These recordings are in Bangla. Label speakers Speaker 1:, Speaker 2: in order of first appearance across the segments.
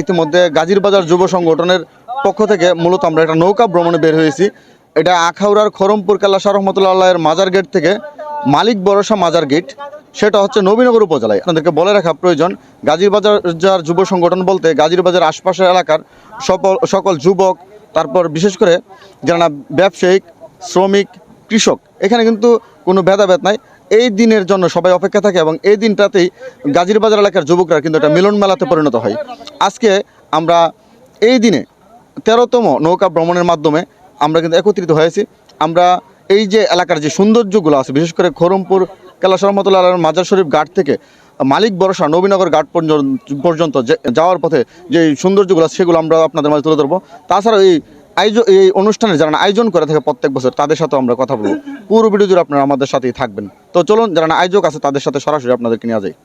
Speaker 1: ইতিমধ্যে গাজীর বাজার যুব সংগঠনের পক্ষ থেকে মূলত আমরা একটা নৌকা ভ্রমণে বের হয়েছি। এটা আখাউড়ার খরমপুর কেল্লা শাহ রহমতুল্লাহ এর মাজার গেট থেকে মালিক ভরসা মাজার গেট, সেটা হচ্ছে নবীনগর উপজেলায়। আপনাদেরকে বলে রাখা প্রয়োজন, গাজীর বাজার যুব সংগঠন বলতে গাজীর বাজার আশপাশের এলাকার সকল যুবক, তারপর বিশেষ করে যারা ব্যবসায়িক, শ্রমিক, কৃষক, এখানে কিন্তু কোনো ভেদাভেদ নাই। এই দিনের জন্য সবাই অপেক্ষা থাকে এবং এই দিনটাতেই গাজীর বাজার এলাকার যুবকরা কিন্তু একটা মিলন মেলাতে পরিণত হয়। আজকে আমরা এই দিনে 13তম নৌকা ভ্রমণের মাধ্যমে আমরা কিন্তু একত্রিত হয়েছি। আমরা এই যে এলাকার যে সৌন্দর্যগুলো আছে, বিশেষ করে খরমপুর কেল্লা শাহ রহমতুল্লাহ মাজার শরীফ ঘাট থেকে মালিক ভরসা নবীনগর ঘাট পর্যন্ত যাওয়ার পথে যে সৌন্দর্যগুলো আছে সেগুলো আমরা আপনাদের মাঝে তুলে ধরবো। তাছাড়াও এই অনুষ্ঠানে যারা আয়োজন করে থাকে প্রত্যেক বছর, তাদের সাথেও আমরা কথা বলবো। পুরো ভিডিও জুড়ে আপনারা আমাদের সাথেই থাকবেন। তো চলুন, যারা আয়োজক আছে তাদের সাথে সরাসরি আপনাদেরকে নিয়ে যাই।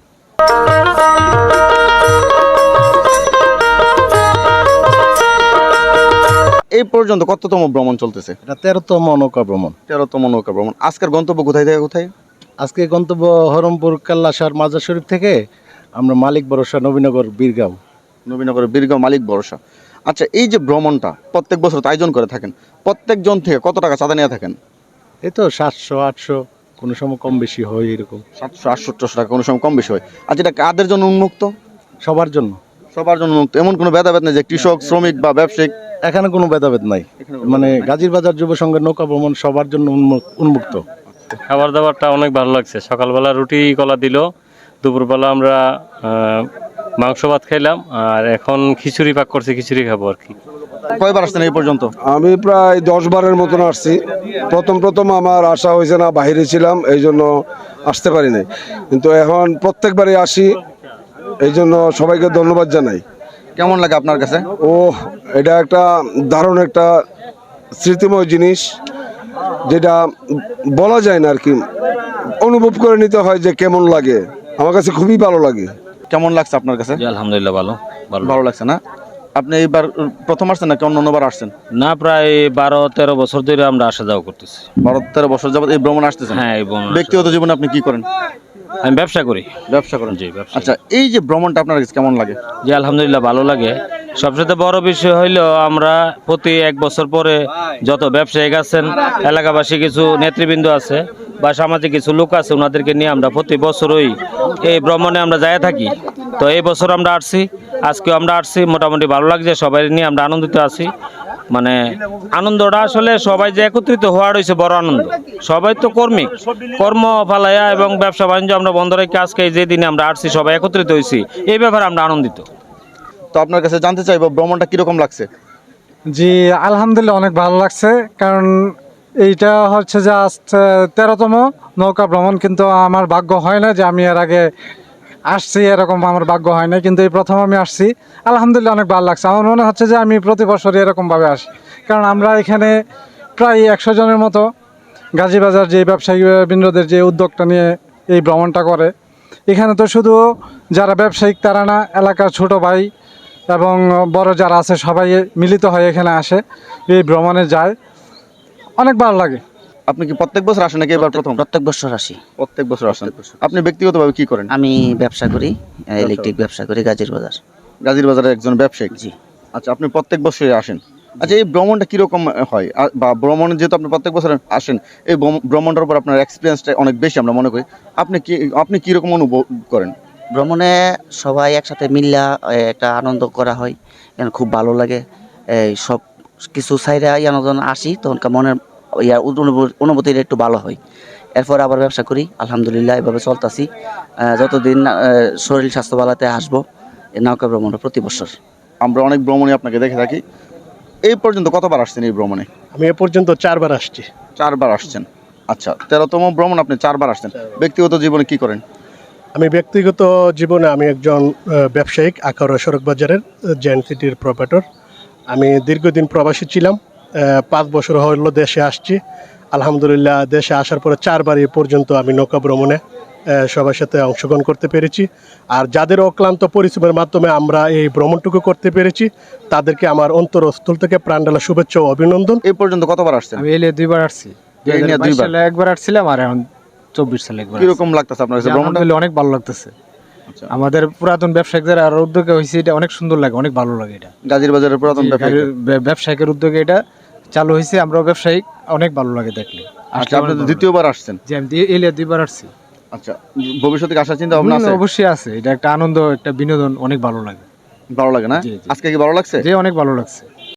Speaker 1: এই পর্যন্ত কততম ভ্রমণ চলতেছে?
Speaker 2: এটা 13তম নৌকা ভ্রমণ।
Speaker 1: 13তম নৌকা ভ্রমণ। আজকের গন্তব্য কোথায় থেকে কোথায়?
Speaker 2: আজকে গন্তব্য হরমপুর কেল্লা শাহ মাজার শরীফ থেকে আমরা মালিক ভরসা নবীনগর বীরগাঁও।
Speaker 1: নবীনগরের বীরগাঁও মালিক ভরসা। আচ্ছা, এই যে ভ্রমণটা প্রত্যেক বছর তো আয়োজন করে থাকেন, প্রত্যেকজন থেকে কত টাকা চাঁদা নিয়ে থাকেন?
Speaker 2: এই তো 700-800, কোনো সময় কম বেশি হয়, এরকম
Speaker 1: 700-800 টাকা, কোনো সময় কম বেশি হয়। আচ্ছা, এটা কাদের জন্য উন্মুক্ত?
Speaker 2: সবার জন্য।
Speaker 1: সবার জন্য উন্মুক্ত, এমন কোনো ভেদাভেদ নেই যে কৃষক, শ্রমিক বা ব্যবসায়িক?
Speaker 2: এখানে কোনো ভেদাভেদ নাই, মানে গাজীর বাজার যুব সংঘের নৌকা ভ্রমণ সবার জন্য উন্মুক্ত।
Speaker 3: খাবার দাবারটা অনেক ভালো লাগছে। সকালবেলা রুটি কলা দিল, দুপুরবেলা আমরা মাংস ভাত খাইলাম, আর এখন খিচুড়ি পাক করছে, খিচুড়ি খাবো আর কি।
Speaker 1: কয়বার আসছেন এই পর্যন্ত?
Speaker 4: আমি প্রায় 10-12 মতন আসছি। প্রথম আমার আসা হয়েছে না, বাইরে ছিলাম, এই জন্য আসতে পারি নাই, কিন্তু এখন প্রত্যেকবারই আসি, এই জন্য সবাইকে ধন্যবাদ জানাই।
Speaker 1: কেমন লাগে আপনার কাছে?
Speaker 4: এটা একটা দারুণ একটা স্মৃতিময় জিনিস, যেটা বলা যায় না আর কি, অনুভব করে নিতে হয় যে কেমন লাগে। আমার কাছে খুবই ভালো লাগে।
Speaker 1: কেমন লাগছে আপনার কাছে?
Speaker 3: আলহামদুলিল্লাহ ভালো
Speaker 1: ভালো লাগছে না? আপনি এইবার প্রথম আসছেন নাকি অন্যবার আসছেন?
Speaker 3: না, প্রায় 12-13 বছর ধরে আমরা আসা যাওয়া করতেছি।
Speaker 1: 12-13 বছর যাবত এই ভ্রমণ আসতেছেন?
Speaker 3: হ্যাঁ, এই ভ্রমণ।
Speaker 1: ব্যক্তিগত জীবনে আপনি কি করেন?
Speaker 3: আমি ব্যবসা করি।
Speaker 1: ব্যবসা করেন?
Speaker 3: জি, ব্যবসা।
Speaker 1: আচ্ছা, এই যে ভ্রমণটা আপনার কাছে কেমন লাগে?
Speaker 3: জি, আলহামদুলিল্লাহ ভালো লাগে। সবচেয়ে বড় বিষয় হইলো আমরা প্রতি 1 বছর পরে যত ব্যবসায়িক আছেন, এলাকাবাসী কিছু নেতৃবৃন্দ আছে বা সামাজিক কিছু লোক আছে, ওনাদেরকে নিয়ে আমরা প্রতি বছরই এই ভ্রমণে আমরা যায় থাকি। তো এই বছর আমরা আসছি, আজকেও আমরা আসছি, মোটামুটি ভালো লাগছে, সবাই নিয়ে আমরা আনন্দিত আছি। মানে আনন্দটা আসলে সবাই যে একত্রিত হওয়ার হয়েছে বড় আনন্দ। সবাই তো কর্ম ফালাইয়া এবং ব্যবসা বাণিজ্য আমরা বন্ধ রেখে আজকে যে দিনে আমরা আসছি, সবাই একত্রিত হয়েছি, এই ব্যাপারে আমরা আনন্দিত।
Speaker 1: তো আপনার কাছে জানতে চাইবো, ভ্রমণটা কিরকম লাগছে?
Speaker 5: জি, আলহামদুলিল্লাহ অনেক ভালো লাগছে, কারণ এইটা হচ্ছে যে আজ 13তম নৌকা ভ্রমণ, কিন্তু আমার ভাগ্য হয় না যে আমি এর আগে আসছি, এরকম আমার ভাগ্য হয় না, কিন্তু এই প্রথম আমি আসছি। আলহামদুলিল্লাহ অনেক ভালো লাগছে। আমার মনে হচ্ছে যে আমি প্রতি বছরই এরকমভাবে আসি, কারণ আমরা এখানে প্রায় 100 জনের মতো গাজীবাজার যে ব্যবসায়ী বৃন্দদের যে উদ্যোগটা নিয়ে এই ভ্রমণটা করে, এখানে তো শুধু যারা ব্যবসায়িক তারা না, এলাকার ছোট ভাই এবং বড় যারা আছে সবাই মিলিত হয়ে এখানে আসে, এই ভ্রমণে যায়, অনেক ভালো লাগে।
Speaker 1: আপনি কি প্রত্যেক বছর আসেন নাকি এবার প্রথম?
Speaker 6: প্রত্যেক বছর আসি।
Speaker 1: প্রত্যেক বছর আসেন। আপনি ব্যক্তিগতভাবে কি করেন?
Speaker 6: আমি ব্যবসা করি, ইলেকট্রিক ব্যবসা করি গাজীর বাজার।
Speaker 1: গাজীর বাজারের একজন ব্যবসায়ী?
Speaker 6: জি।
Speaker 1: আচ্ছা, আপনি প্রত্যেক বছরই আসেন। আচ্ছা, এই ভ্রমণটা কিরকম হয়, বা ভ্রমণ যেহেতু আপনি প্রত্যেক বছর আসেন, এই ভ্রমণটার উপর আপনার এক্সপিরিয়েন্সটা অনেক বেশি আমরা মনে করি। আপনি কিরকম অনুভব করেন?
Speaker 6: ভ্রমণে সবাই একসাথে মিল্লা একটা আনন্দ করা হয়, এখানে খুব ভালো লাগে। এই সব কিছু সাইডে যখন আসি তখনকার মনের অনুভূতিটা একটু ভালো হয়। এরপর আবার ব্যবসা করি, আলহামদুলিল্লাহ এভাবে চলতেছি। যতদিন শরীর স্বাস্থ্য ভালোতে আসবো, এই নৌকা ভ্রমণটা প্রতি বছর।
Speaker 1: আমরা অনেক ভ্রমণে আপনাকে দেখে থাকি। এই পর্যন্ত কতবার আসছেন এই ভ্রমণে?
Speaker 7: আমি এ পর্যন্ত 4বার আসছি।
Speaker 1: 4বার আসছেন। আচ্ছা, 13তম ভ্রমণ, আপনি 4বার আসছেন। ব্যক্তিগত জীবনে কি করেন?
Speaker 7: আমি ব্যক্তিগত জীবনে আমি একজন ব্যবসায়িক, আখাউড়া সড়ক বাজারের জেন সিটির প্রোপাইটর। আমি দীর্ঘদিন প্রবাসী ছিলাম, 5 বছর হলো দেশে আসছি। আলহামদুলিল্লাহ দেশে আসার পরে 4বার এ পর্যন্ত আমি নৌকা ভ্রমণে সবার সাথে অংশগ্রহণ করতে পেরেছি। আর যাদের অক্লান্ত পরিশ্রমের মাধ্যমে আমরা এই ভ্রমণটুকু করতে পেরেছি, তাদেরকে আমার অন্তরস্থল থেকে প্রাণঢালা শুভেচ্ছা ও অভিনন্দন।
Speaker 1: এই পর্যন্ত কতবার আসছেন?
Speaker 5: আমি এলে 2বার আসছি। 2022 সালে একবার আসছিলাম, আর এখন 24 সালে একবার।
Speaker 1: কিরকম লাগতেছে আপনার কাছে ভ্রমণটা?
Speaker 5: অনেক ভালো লাগতেছে।
Speaker 1: আচ্ছা।
Speaker 5: আমাদের পুরাতন ব্যবসায়িকদের আর উদ্যোগে হয়েছে, এটা অনেক সুন্দর লাগে, অনেক ভালো লাগে। এটা
Speaker 1: গাজীর বাজারের পুরাতন ব্যবসায়ী।
Speaker 5: ব্যবসায়িকের উদ্যোগে এটা চালু হয়েছে, আমরা ব্যবসায়িক অনেক ভালো লাগে দেখলে।
Speaker 1: আচ্ছা, আপনি তো দ্বিতীয়বার আসছেন।
Speaker 5: যে আমি এলিয়া 2বার আসছি।
Speaker 1: আচ্ছা, ভবিষ্যতে কি আসার চিন্তা ভাবনা আছে?
Speaker 5: অবশ্যই আছে, এটা একটা আনন্দ, একটা বিনোদন, অনেক ভালো লাগে।
Speaker 1: ভালো লাগে না?
Speaker 5: জি, জি।
Speaker 1: আজকে কি ভালো লাগছে?
Speaker 5: যে অনেক ভালো লাগছে।